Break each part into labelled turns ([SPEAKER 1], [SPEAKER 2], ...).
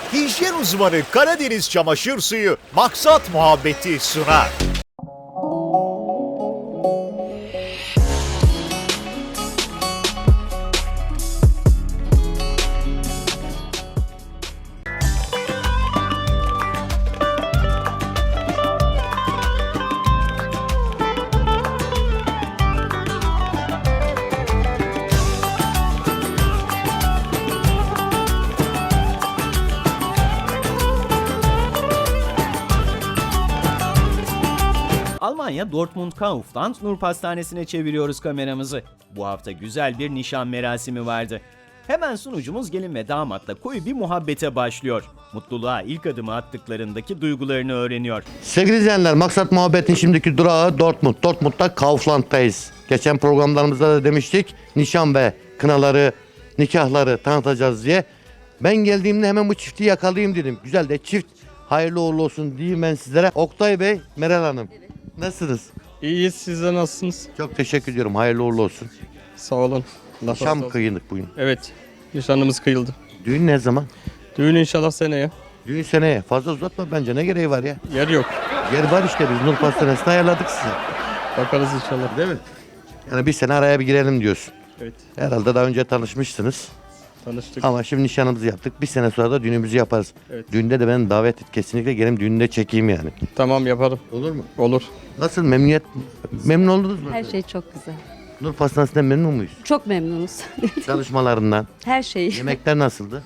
[SPEAKER 1] hijyen uzmanı Karadeniz Çamaşır Suyu maksat muhabbeti sunar.
[SPEAKER 2] Almanya Dortmund-Kaufland Nur Pastanesi'ne çeviriyoruz kameramızı. Bu hafta güzel bir nişan merasimi vardı. Hemen sunucumuz gelin ve damatla koyu bir muhabbete başlıyor. Mutluluğa ilk adımı attıklarındaki duygularını öğreniyor.
[SPEAKER 3] Sevgili izleyenler, Maksat Muhabbet'in şimdiki durağı Dortmund. Dortmund'da Kaufland'dayız. Geçen programlarımızda da demiştik, nişan ve kınaları, nikahları tanıtacağız diye. Ben geldiğimde hemen bu çifti yakalayayım dedim. Güzel de çift, hayırlı uğurlu olsun diyeyim ben sizlere. Oktay Bey, Meral Hanım. Nasılsınız?
[SPEAKER 4] İyiyiz, siz de nasılsınız?
[SPEAKER 3] Çok teşekkür ediyorum, hayırlı uğurlu olsun.
[SPEAKER 4] Sağ olun. Allah razı
[SPEAKER 3] Nişan
[SPEAKER 4] olsun.
[SPEAKER 3] kıyındık bugün.
[SPEAKER 4] Evet, nişanımız kıyıldı.
[SPEAKER 3] Düğün ne zaman?
[SPEAKER 4] Düğün inşallah seneye.
[SPEAKER 3] Düğün seneye. Fazla uzatma bence, ne gereği var ya?
[SPEAKER 4] Yer yok.
[SPEAKER 3] Yer var işte, biz Nur Pastanesi'ni ayarladık size.
[SPEAKER 4] Bakarız inşallah.
[SPEAKER 3] Değil mi? Yani bir sene araya bir girelim diyorsun.
[SPEAKER 4] Evet,
[SPEAKER 3] Herhalde daha önce tanışmışsınız.
[SPEAKER 4] tanıştık.
[SPEAKER 3] Ama şimdi nişanımızı yaptık. Bir sene sonra da düğünümüzü yaparız.
[SPEAKER 4] Evet.
[SPEAKER 3] Düğünde de beni davet et. Kesinlikle gelin düğünde çekeyim yani.
[SPEAKER 4] Tamam, yaparım.
[SPEAKER 3] Olur mu?
[SPEAKER 4] Olur.
[SPEAKER 3] Nasıl, memnun oldunuz mu?
[SPEAKER 5] Her şey çok güzel.
[SPEAKER 3] Nur Pastanesi'nden memnun muyuz?
[SPEAKER 5] Çok memnunuz.
[SPEAKER 3] Çalışmalarından.
[SPEAKER 5] Her şey
[SPEAKER 3] Yemekler nasıldı?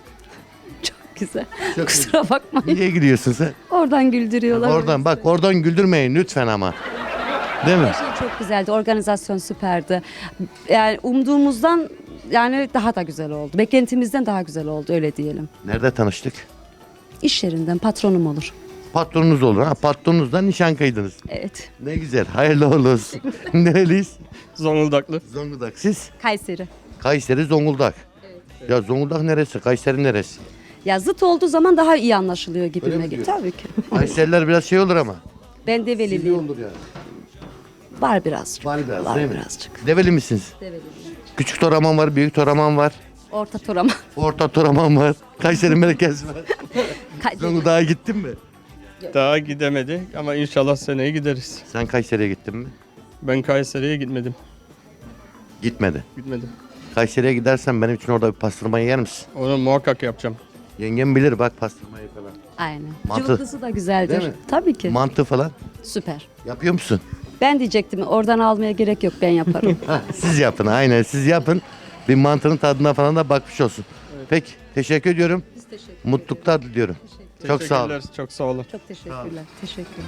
[SPEAKER 5] çok güzel.
[SPEAKER 3] Çok
[SPEAKER 5] Kusura bakmayın.
[SPEAKER 3] Niye gidiyorsun sen?
[SPEAKER 5] Oradan güldürüyorlar.
[SPEAKER 3] Oradan bak, oradan güldürmeyin lütfen ama. Değil mi?
[SPEAKER 5] Her şey çok güzeldi. Organizasyon süperdi. Yani umduğumuzdan yani daha da güzel oldu. Beklentimizden daha güzel oldu, öyle diyelim.
[SPEAKER 3] Nerede tanıştık?
[SPEAKER 5] İş yerinden patronum olur.
[SPEAKER 3] Patronunuz olur ha. Patronunuzdan nişan kıydınız.
[SPEAKER 5] Evet.
[SPEAKER 3] Ne güzel. Hayırlı uğurlu olsun. Nereliyiz?
[SPEAKER 4] Zonguldaklı.
[SPEAKER 3] Zonguldak. Siz?
[SPEAKER 5] Kayseri.
[SPEAKER 3] Kayseri, Zonguldak. Ya Zonguldak neresi? Kayseri neresi?
[SPEAKER 5] Ya zıt olduğu zaman daha iyi anlaşılıyor
[SPEAKER 3] Öyle
[SPEAKER 5] gibime
[SPEAKER 3] mi
[SPEAKER 5] geliyor.
[SPEAKER 3] diyor?
[SPEAKER 5] Tabii ki.
[SPEAKER 3] Kayseriler biraz şey olur ama.
[SPEAKER 5] Ben develiliyim.
[SPEAKER 3] olur yani.
[SPEAKER 5] Var birazcık.
[SPEAKER 3] Var biraz,
[SPEAKER 5] Var
[SPEAKER 3] değil mi?
[SPEAKER 5] birazcık.
[SPEAKER 3] Develi misiniz?
[SPEAKER 5] Develiliyim.
[SPEAKER 3] Küçük Toraman var, büyük Toraman var.
[SPEAKER 5] Orta Toraman.
[SPEAKER 3] Orta Toraman var. Kayseri merkez var.
[SPEAKER 5] Ka-
[SPEAKER 3] Zonguldak'a gittin mi?
[SPEAKER 4] Daha gidemedik ama inşallah seneye gideriz.
[SPEAKER 3] Sen Kayseri'ye gittin mi?
[SPEAKER 4] Ben Kayseri'ye gitmedim.
[SPEAKER 3] Gitmedi.
[SPEAKER 4] Gitmedim.
[SPEAKER 3] Kayseri'ye gidersen benim için orada bir pastırma yer misin?
[SPEAKER 4] Onu muhakkak yapacağım.
[SPEAKER 3] Yengem bilir bak pastırmayı falan.
[SPEAKER 5] Aynen.
[SPEAKER 3] Mantı.
[SPEAKER 5] Cıvıklısı da güzeldir.
[SPEAKER 3] Değil mi?
[SPEAKER 5] Tabii ki.
[SPEAKER 3] Mantı falan.
[SPEAKER 5] Süper.
[SPEAKER 3] Yapıyor musun?
[SPEAKER 5] Ben diyecektim, oradan almaya gerek yok, ben yaparım.
[SPEAKER 3] Hah, siz yapın, aynen siz yapın. Bir mantının tadına falan da bakmış olsun. Peki, teşekkür ediyorum.
[SPEAKER 5] Biz teşekkür
[SPEAKER 3] Mutluluklar diliyorum. Çok sağ olun.
[SPEAKER 4] Teşekkürler, çok sağ olun.
[SPEAKER 5] Çok teşekkürler. Teşekkürler.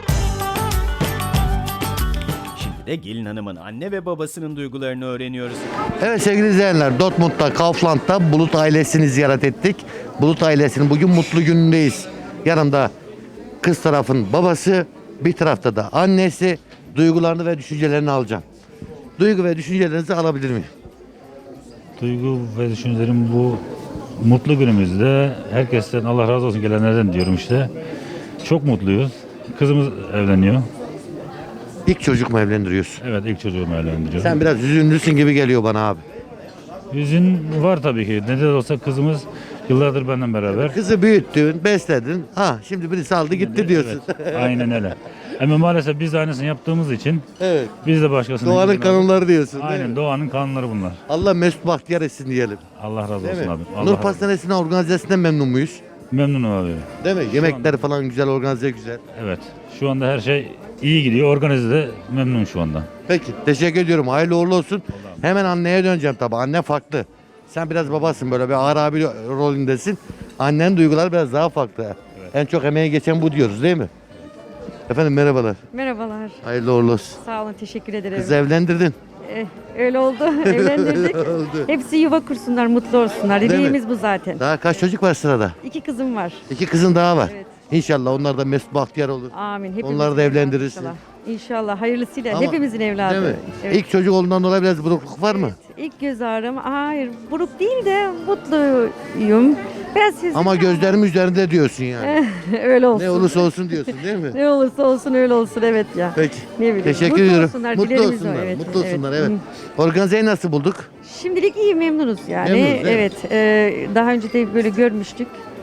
[SPEAKER 2] Şimdi de gelin hanımın anne ve babasının duygularını öğreniyoruz.
[SPEAKER 3] Evet sevgili izleyenler, Dortmund'da, Kaufland'da Bulut ailesini ziyaret ettik. Bulut ailesinin bugün mutlu günündeyiz. Yanımda kız tarafın babası, bir tarafta da annesi. Duygularını ve düşüncelerini alacağım. Duygu ve düşüncelerinizi alabilir miyim?
[SPEAKER 6] Duygu ve düşüncelerim bu mutlu günümüzde herkesten Allah razı olsun gelenlerden diyorum işte. Çok mutluyuz. Kızımız evleniyor.
[SPEAKER 3] İlk çocuk mu evlendiriyorsun?
[SPEAKER 6] Evet, ilk çocuğumu evlendiriyor.
[SPEAKER 3] Sen biraz üzünlüsün gibi geliyor bana abi.
[SPEAKER 6] Hüzün var tabii ki. Ne de olsa kızımız yıllardır benden beraber.
[SPEAKER 3] Kızı büyüttün, besledin. Ha şimdi birisi aldı gitti diyorsun.
[SPEAKER 6] Evet, aynen öyle. Ama maalesef biz de aynısını yaptığımız için
[SPEAKER 3] Evet.
[SPEAKER 6] biz de başkasının...
[SPEAKER 3] Doğanın
[SPEAKER 6] gibi-
[SPEAKER 3] kanunları diyorsun. değil mi?
[SPEAKER 6] Aynen, doğanın kanunları bunlar.
[SPEAKER 3] Allah mesut bahtiyar etsin diyelim.
[SPEAKER 6] Allah razı
[SPEAKER 3] Değil
[SPEAKER 6] olsun
[SPEAKER 3] mi?
[SPEAKER 6] abi. Allah
[SPEAKER 3] Nur
[SPEAKER 6] razı olsun.
[SPEAKER 3] Pastanesi'nin organizasyonundan memnun muyuz?
[SPEAKER 6] Memnunum abi.
[SPEAKER 3] Değil mi? Yemekler falan güzel, organize güzel.
[SPEAKER 6] Evet. Şu anda her şey iyi gidiyor. Organize de memnun şu anda.
[SPEAKER 3] Peki teşekkür ediyorum. Hayırlı uğurlu olsun. Hemen anneye döneceğim tabii. Anne farklı. Sen biraz babasın, böyle bir ağır abi rolündesin. Annenin duyguları biraz daha farklı. En çok emeği geçen bu diyoruz değil mi? Efendim merhabalar.
[SPEAKER 7] Merhabalar.
[SPEAKER 3] Hayırlı uğurlu olsun.
[SPEAKER 7] Sağ olun, teşekkür ederim.
[SPEAKER 3] Kızı evlendirdin.
[SPEAKER 7] Öyle oldu, evlendirdik.
[SPEAKER 3] Oldu.
[SPEAKER 7] Hepsi yuva kursunlar, mutlu olsunlar.
[SPEAKER 3] Değil mi?
[SPEAKER 7] Dileğimiz bu zaten.
[SPEAKER 3] Daha kaç çocuk var sırada?
[SPEAKER 7] 2 kızım var.
[SPEAKER 3] 2 kızın daha var.
[SPEAKER 7] Evet.
[SPEAKER 3] İnşallah onlar da mesut bahtiyar olur.
[SPEAKER 7] Amin. Hepimizin
[SPEAKER 3] Onları da
[SPEAKER 7] evladı
[SPEAKER 3] evlendirirsin.
[SPEAKER 7] inşallah. İnşallah, hayırlısıyla.
[SPEAKER 3] Ama-
[SPEAKER 7] Hepimizin evladı.
[SPEAKER 3] Değil mi?
[SPEAKER 7] Evet.
[SPEAKER 3] İlk çocuk olduğundan dolayı biraz burukluk var mı?
[SPEAKER 7] İlk göz ağrım, hayır buruk değil de mutluyum. Biraz siz
[SPEAKER 3] Ama gözlerim üzerinde diyorsun yani.
[SPEAKER 7] öyle olsun.
[SPEAKER 3] Ne olursa olsun diyorsun değil mi?
[SPEAKER 7] Ne olursa olsun öyle olsun, evet ya.
[SPEAKER 3] Peki.
[SPEAKER 7] Ne bileyim.
[SPEAKER 3] Teşekkür
[SPEAKER 7] Mutlu
[SPEAKER 3] ediyorum.
[SPEAKER 7] olsunlar,
[SPEAKER 3] Mutlu
[SPEAKER 7] dilerimiz o,
[SPEAKER 3] olsunlar.
[SPEAKER 7] evet,
[SPEAKER 3] Mutlu
[SPEAKER 7] evet.
[SPEAKER 3] olsunlar evet.
[SPEAKER 7] Hı.
[SPEAKER 3] Organizeyi nasıl bulduk?
[SPEAKER 7] Şimdilik iyi, memnunuz yani.
[SPEAKER 3] Memnunuz, değil mi?
[SPEAKER 7] Evet. Daha önce de böyle görmüştük.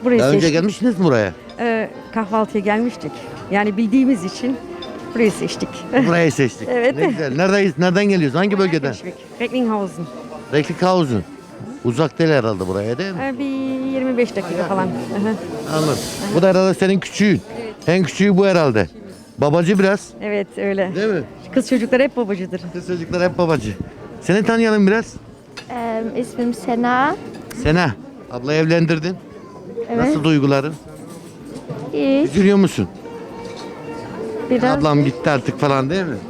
[SPEAKER 7] Burayı
[SPEAKER 3] Daha önce
[SPEAKER 7] seçtik.
[SPEAKER 3] gelmişsiniz mi buraya?
[SPEAKER 7] Kahvaltıya gelmiştik. Yani bildiğimiz için burayı seçtik.
[SPEAKER 3] Burayı seçtik.
[SPEAKER 7] Evet.
[SPEAKER 3] Ne güzel. Neredeyiz? Nereden geliyoruz? Hangi bölgeden?
[SPEAKER 7] Recklinghausen.
[SPEAKER 3] Recklinghausen. Uzak değil herhalde buraya değil mi?
[SPEAKER 7] Bir 25 dakika falan. Aha.
[SPEAKER 3] Anladım. Bu da herhalde senin küçüğün. En küçüğü bu herhalde. Babacı biraz.
[SPEAKER 7] Evet öyle.
[SPEAKER 3] Değil mi?
[SPEAKER 7] Kız çocuklar hep babacıdır.
[SPEAKER 3] Kız çocuklar hep babacı. Seni tanıyalım biraz.
[SPEAKER 8] İsmim Sena.
[SPEAKER 3] Sena. Abla evlendirdin.
[SPEAKER 8] Evet.
[SPEAKER 3] Nasıl duyguların?
[SPEAKER 8] İyi.
[SPEAKER 3] Üzülüyor musun?
[SPEAKER 8] Biraz.
[SPEAKER 3] Ablam gitti artık falan değil mi?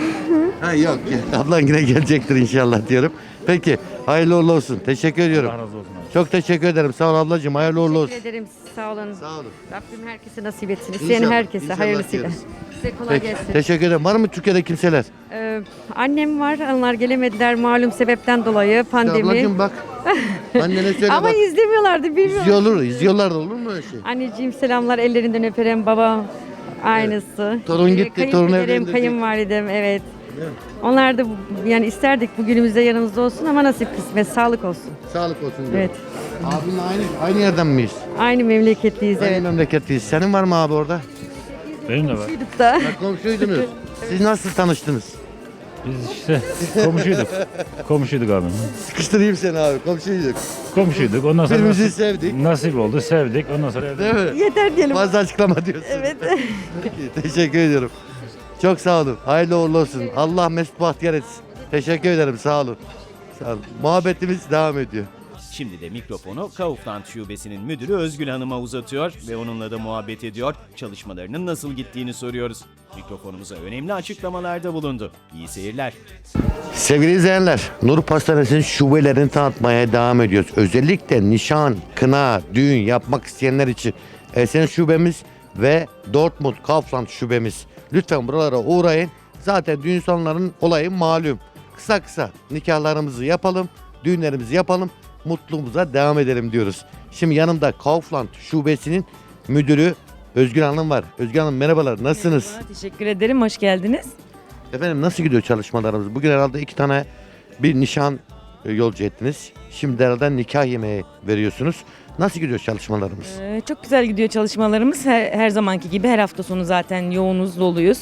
[SPEAKER 3] Ha yok. Ablan yine gelecektir inşallah diyorum. Peki. Hayırlı uğurlu olsun. Teşekkür ediyorum.
[SPEAKER 6] Allah razı olsun abi.
[SPEAKER 3] Çok teşekkür ederim. Sağ ol ablacığım. Hayırlı uğurlu olsun.
[SPEAKER 7] Teşekkür ederim. Sağ olun.
[SPEAKER 3] Sağ olun.
[SPEAKER 7] Rabbim herkese nasip etsin. İsteyen
[SPEAKER 3] İnşallah,
[SPEAKER 7] herkese
[SPEAKER 3] inşallah
[SPEAKER 7] hayırlısıyla.
[SPEAKER 3] diyoruz.
[SPEAKER 7] Size kolay
[SPEAKER 3] Peki.
[SPEAKER 7] gelsin.
[SPEAKER 3] Teşekkür ederim. Var mı Türkiye'de kimseler?
[SPEAKER 7] Annem var. Onlar gelemediler malum sebepten dolayı pandemi.
[SPEAKER 3] Ablacığım bak. Annene söyle
[SPEAKER 7] Ama
[SPEAKER 3] bak.
[SPEAKER 7] izlemiyorlardı bilmiyorum.
[SPEAKER 3] İzliyorlar da olur mu öyle şey?
[SPEAKER 7] Anneciğim selamlar ellerinden öperim baba. Aynısı.
[SPEAKER 3] Torun gitti, torun
[SPEAKER 7] Kayınpederim,
[SPEAKER 3] evlendirecek.
[SPEAKER 7] kayınvalidem evet. Onlar da yani isterdik bugünümüzde yanımızda olsun ama nasip kısmet sağlık olsun.
[SPEAKER 3] Sağlık olsun diyorum.
[SPEAKER 7] Evet.
[SPEAKER 3] Abinle aynı yerden miyiz?
[SPEAKER 7] Aynı memleketliyiz
[SPEAKER 3] Aynı
[SPEAKER 7] evet.
[SPEAKER 3] memleketliyiz. Senin var mı abi orada?
[SPEAKER 6] Benim de var.
[SPEAKER 7] Duyduk da.
[SPEAKER 3] Ha, komşuydunuz. Siz nasıl tanıştınız?
[SPEAKER 6] Biz işte komşuyduk. Komşuyduk abi.
[SPEAKER 3] Sıkıştırayım seni abi. Komşuyduk.
[SPEAKER 6] Komşuyduk. Ondan sonra
[SPEAKER 3] Birbirimizi sevdik.
[SPEAKER 6] nasip oldu. Sevdik. Ondan sonra
[SPEAKER 3] Değil mi?
[SPEAKER 7] Yeter diyelim.
[SPEAKER 3] Fazla açıklama diyorsun.
[SPEAKER 7] Evet.
[SPEAKER 3] Peki, teşekkür ediyorum. Çok sağ olun. Hayırlı uğurlu olsun. Allah mesut bahtiyar etsin. Teşekkür ederim. Sağ olun. Sağ olun. Muhabbetimiz devam ediyor.
[SPEAKER 2] Şimdi de mikrofonu Kaufland Şubesi'nin müdürü Özgül Hanım'a uzatıyor ve onunla da muhabbet ediyor. Çalışmalarının nasıl gittiğini soruyoruz. Mikrofonumuza önemli açıklamalarda bulundu. İyi seyirler.
[SPEAKER 3] Sevgili izleyenler, Nur Pastanesi'nin şubelerini tanıtmaya devam ediyoruz. Özellikle nişan, kına, düğün yapmak isteyenler için Esen şubemiz ve Dortmund Kaufland şubemiz. Lütfen buralara uğrayın. Zaten düğün salonlarının olayı malum. Kısa kısa nikahlarımızı yapalım, düğünlerimizi yapalım, mutluluğumuza devam edelim diyoruz. Şimdi yanımda Kaufland şubesinin müdürü Özgür Hanım var. Özgür Hanım merhabalar, nasılsınız?
[SPEAKER 9] Merhaba, teşekkür ederim. Hoş geldiniz.
[SPEAKER 3] Efendim nasıl gidiyor çalışmalarımız? Bugün herhalde 2 tane bir nişan yolcu ettiniz. Şimdi herhalde nikah yemeği veriyorsunuz. Nasıl gidiyor çalışmalarımız?
[SPEAKER 9] Çok güzel gidiyor çalışmalarımız. Her zamanki gibi her hafta sonu zaten yoğunuz, doluyuz.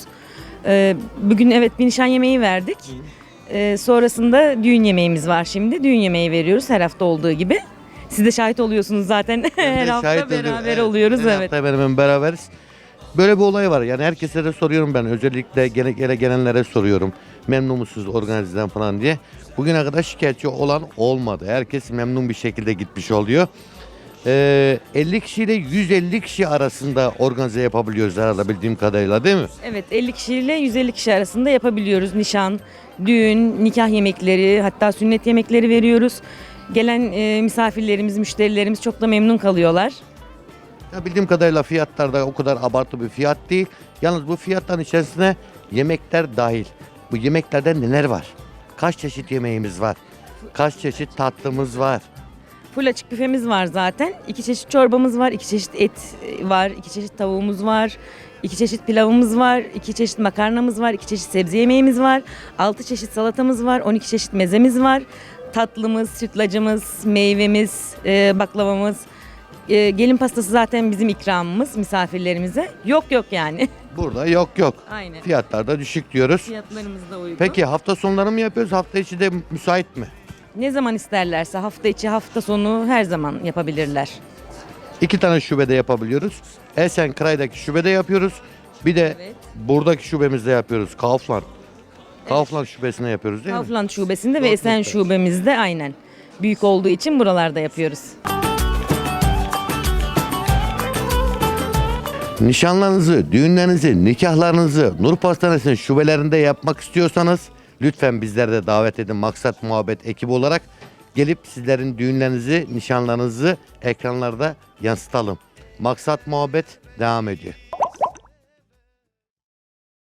[SPEAKER 9] Bugün evet bir nişan yemeği verdik. Sonrasında düğün yemeğimiz var şimdi. Düğün yemeği veriyoruz her hafta olduğu gibi. Siz de şahit oluyorsunuz zaten. Her hafta
[SPEAKER 3] Şahit oluyorum.
[SPEAKER 9] beraber oluyoruz.
[SPEAKER 3] Her
[SPEAKER 9] Evet.
[SPEAKER 3] hafta hemen beraberiz. Böyle bir olay var. Yani herkese de soruyorum ben. Özellikle gelenlere soruyorum. Memnun musunuz organizeden falan diye. Bugüne kadar şikayetçi olan olmadı. Herkes memnun bir şekilde gitmiş oluyor. 50 kişi ile 150 kişi arasında organize yapabiliyoruz herhalde bildiğim kadarıyla değil mi?
[SPEAKER 9] Evet, 50 kişiyle 150 kişi arasında yapabiliyoruz. Nişan, düğün, nikah yemekleri, hatta sünnet yemekleri veriyoruz. Gelen misafirlerimiz, müşterilerimiz çok da memnun kalıyorlar.
[SPEAKER 3] Ya bildiğim kadarıyla fiyatlar da o kadar abartı bir fiyat değil. Yalnız bu fiyatların içerisine yemekler dahil. Bu yemeklerde neler var? Kaç çeşit yemeğimiz var? Kaç çeşit tatlımız var?
[SPEAKER 9] Full açık büfemiz var zaten. 2 çeşit çorbamız var, 2 çeşit et var, 2 çeşit tavuğumuz var, 2 çeşit pilavımız var, 2 çeşit makarnamız var, 2 çeşit sebze yemeğimiz var, 6 çeşit salatamız var, 12 çeşit mezemiz var. Tatlımız, sütlacımız, meyvemiz, baklavamız. Gelin pastası zaten bizim ikramımız misafirlerimize. Yok yani.
[SPEAKER 3] Burada yok.
[SPEAKER 9] Aynen.
[SPEAKER 3] Fiyatlar da düşük diyoruz.
[SPEAKER 9] Fiyatlarımız da uygun.
[SPEAKER 3] Peki hafta sonları mı yapıyoruz? Hafta içi de müsait mi?
[SPEAKER 9] Ne zaman isterlerse hafta içi hafta sonu her zaman yapabilirler.
[SPEAKER 3] 2 tane şubede yapabiliyoruz. Esenkıray'daki şubede yapıyoruz. Bir de
[SPEAKER 9] Evet.
[SPEAKER 3] buradaki şubemizde yapıyoruz. Kaufland. Kaufland şubesine yapıyoruz değil mi?
[SPEAKER 9] Kaufland şubesinde ve Esen şubemizde aynen. Büyük olduğu için buralarda yapıyoruz.
[SPEAKER 3] Nişanlarınızı, düğünlerinizi, nikahlarınızı Nur Pastanesi'nin şubelerinde yapmak istiyorsanız lütfen bizleri de davet edin. Maksat Muhabbet ekibi olarak gelip sizlerin düğünlerinizi, nişanlarınızı ekranlarda yansıtalım. Maksat Muhabbet devam ediyor.